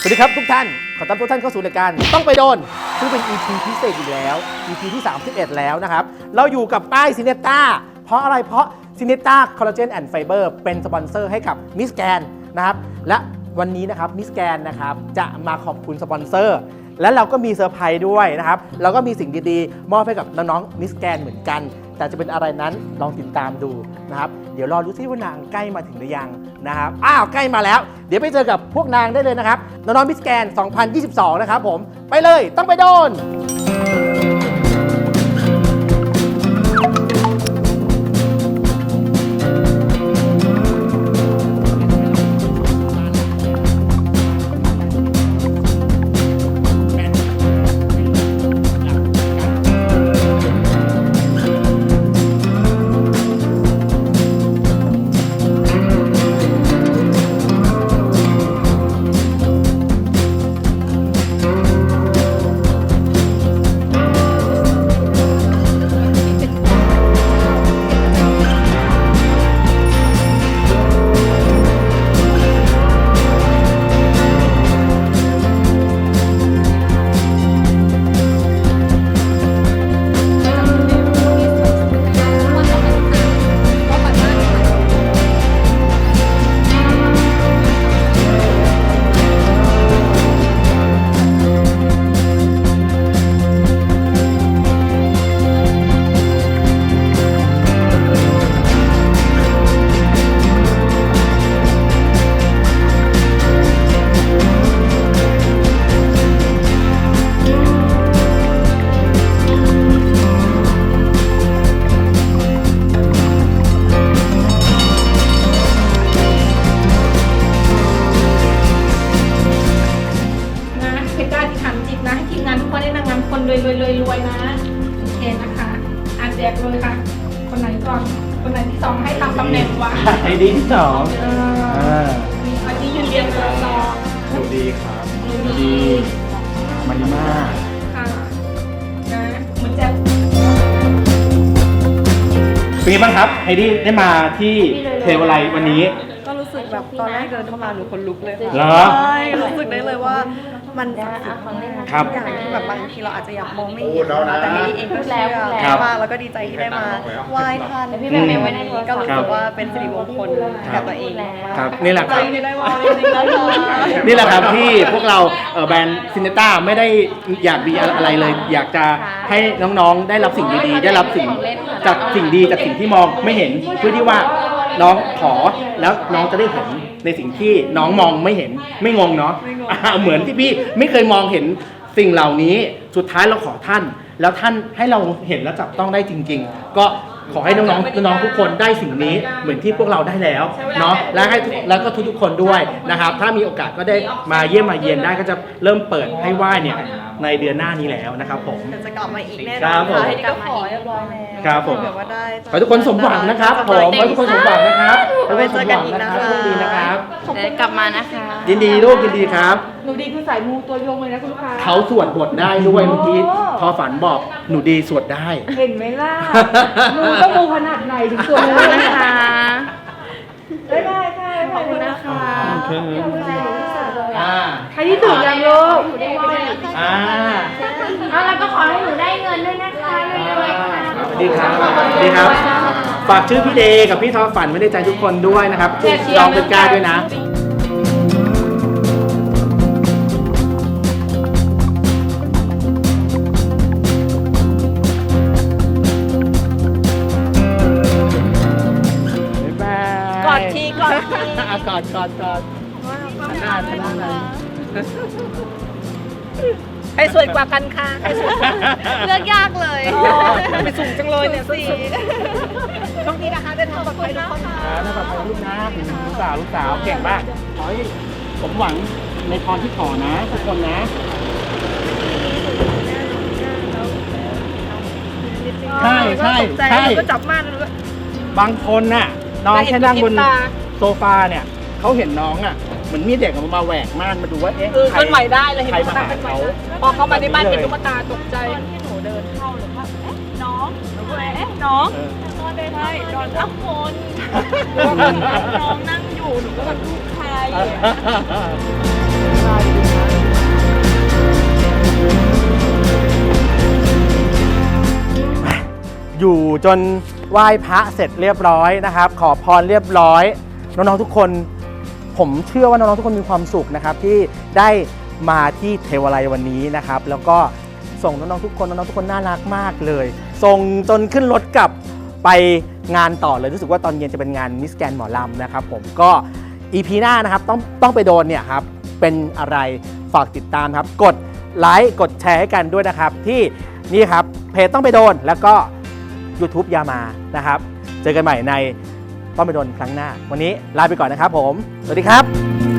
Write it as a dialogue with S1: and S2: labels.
S1: สวัสดีครับทุกท่านขอต้อนรับทุกท่านเข้าสู่รายการต้องไปโดนซึ่งเป็น EP พิเศษอีกแล้ว EP ที่ 31 แล้วนะครับเราอยู่กับป้ายซินเนต้าเพราะอะไรเพราะซินเนต้าคอลลาเจนแอนด์ไฟเบอร์เป็นสปอนเซอร์ให้กับมิสแกนนะครับและวันนี้นะครับมิสแกนนะครับจะมาขอบคุณสปอนเซอร์และเราก็มีเซอร์ไพรส์ด้วยนะครับเราก็มีสิ่งดีๆมอบให้กับน้องๆมิสแกนเหมือนกันแต่จะเป็นอะไรนั้นลองติดตามดูนะครับเดี๋ยวรอดูซิว่านางใกล้มาถึงหรือยังนะครับใกล้มาแล้วเดี๋ยวไปเจอกับพวกนางได้เลยนะครับน้องๆมิสแกน 2022 นะครับผมไปเลยต้องไปโดน
S2: รวยนะโอเคนะคะแจกเลยค่ะคนไหนก่อนคนไหนที่สองให้ตามตำแหน่งวะ
S1: ไอดีที่สอง
S2: อันนี้ยืนเรียงตัวสอง
S1: ดูดีครับดูดีมันดีมาก
S2: ค่ะนะเหมือนจะ
S1: เป็นไงบ้างครับไฮดี้ได้มาที่เทวไลวันนี้
S3: ก็รู้สึกแบบตอนแรกเดินเข้ามาหนูคนลุกเลยค่ะ
S1: เหรอ
S3: ใช่รู้สึกได้เลยว่ามัน
S1: ครับ
S3: อย่างที่แบบบางทีเราอาจจะอยากมองไม่เห็นนะแต่นี่เองก็เชื่อมากแล้วก็ดีใจที่ได้มาไหว้ท่านพี่แบบไว้ในนี้ก็รู้สึกว่าเป็นสิริมงคลกับตัวเอง
S1: ครับนี่แหละครับ
S3: ได้ว่าจริงๆแล้ว
S1: นี่แหละครับที่พวกเราแบรนด์ซินเนต้าไม่ได้อยากดีอะไรเลย อยากจะให้น้องๆได้รับสิ่งดีๆได้รับสิ่งจากสิ่งดีจากสิ่งที่มองไม่เห็นเพื่อที่ว่าน้องขอแล้วน้องจะได้เห็นในสิ่งที่น้องมองไม่เห็นไม่งงเนาะเหมือนที่พี่ไม่เคยมองเห็นสิ่งเหล่านี้สุดท้ายเราขอท่านแล้วท่านให้เราเห็นและจับต้องได้จริงๆก็ขอให้น้องๆทุกคนได้สิ่งนี้เหมือนที่พวกเราได้แล้วเนาะแล้วก็ทุกคนด้วยนะครับถ้ามีโอกาสก็ได้มาเยี่ยมมาเยียนได้ก็จะเริ่มเปิดให้ไหว้เนี่ยในเดือนหน้านี้แล้วนะครับผม
S3: จะกลับมาอีกแน่นอนค่ะให้ก็ขอเรียบร้อยแล้ว
S1: ครับผม
S3: แบบว่าได้
S1: ขอทุกคนสมหวังนะครับผมขอทุกคนสมหวังนะครับ
S3: ไปเจอกันอีกนะคะ
S1: โชคดีนะครับ
S3: เดี๋ยวกลับมานะคะ
S1: ยินดีลูกยินดีครับ
S2: หนูดีคือสายมูตัวยงเลยนะคุณลูกค้า
S1: เขาสวดบทได้ด้วยเมื่อกี้พอฝันบอกหนูดีสวดได้
S2: เห็นไหมล่ะหนูต้องมูขนาดไหนถึงสวดได้
S3: นะคะ
S2: ได้
S3: ขอบคุณนะคะ
S2: ใครที่ตื่นยังลูก
S4: แล้วก็ขอให้หนูได้เงินด้วยนะคะรวยๆค่ะ
S1: ดีครับดีครับฝากชื่อพี่เดย์กับพี่ทอฝันไว้ในใจทุกคนด้วยนะครับลองเป็นกล้าด้วยนะ
S3: กอดที
S1: กอดหน้าเลย
S3: ใครสวยกว่ากันค่ะเลือกยากเลยไปสูงจังเลยเนี่ยสิช่วงนี้นะคะเดินทางปลอดภัยทุกคนค่ะ
S1: น่าปลอดภัยลูกนะลูกสาวเก่งมากขอให้ผมหวังในพรที่ขอนะทุกคนนะใช่
S3: ก็จับมากเลย
S1: บางคนน่ะน้องแค่นั่งบนโซฟาเนี่ยเขาเห็นน้องอ่ะเหมือนมีเด็กมาแหวกม่านมาดูว่า
S3: เคลื่อนไหวได้เลยเห็น
S1: ตุ๊กตาเขา
S3: พอเขามาในบ้านเป็นตุ๊กตาตกใจที่หนูเดินเข้าหรือว่าน้องหนูก็เลยน้องนอนได้ไหมนอนทับคนน้องนั่งอยู่หนูก็แบบลูกใคร
S1: อยู่จนไหว้พระเสร็จเรียบร้อยนะครับขอพรเรียบร้อยน้องๆทุกคนผมเชื่อว่าน้องๆทุกคนมีความสุขนะครับที่ได้มาที่เทวาลัยวันนี้นะครับแล้วก็ส่งน้องๆทุกคนน่ารักมากเลยส่งจนขึ้นรถกลับไปงานต่อเลยรู้สึกว่าตอนเย็นจะเป็นงานมิสแกรนด์หมอลำนะครับผมก็ EP หน้านะครับต้องไปโดนเนี่ยครับเป็นอะไรฝากติดตามครับกดไลค์กดแชร์ให้กันด้วยนะครับที่นี่ครับเพจต้องไปโดนแล้วก็ YouTube ยามานะครับเจอกันใหม่ในต้องไปโดนครั้งหน้าวันนี้ลาไปก่อนนะครับผมสวัสดีครับ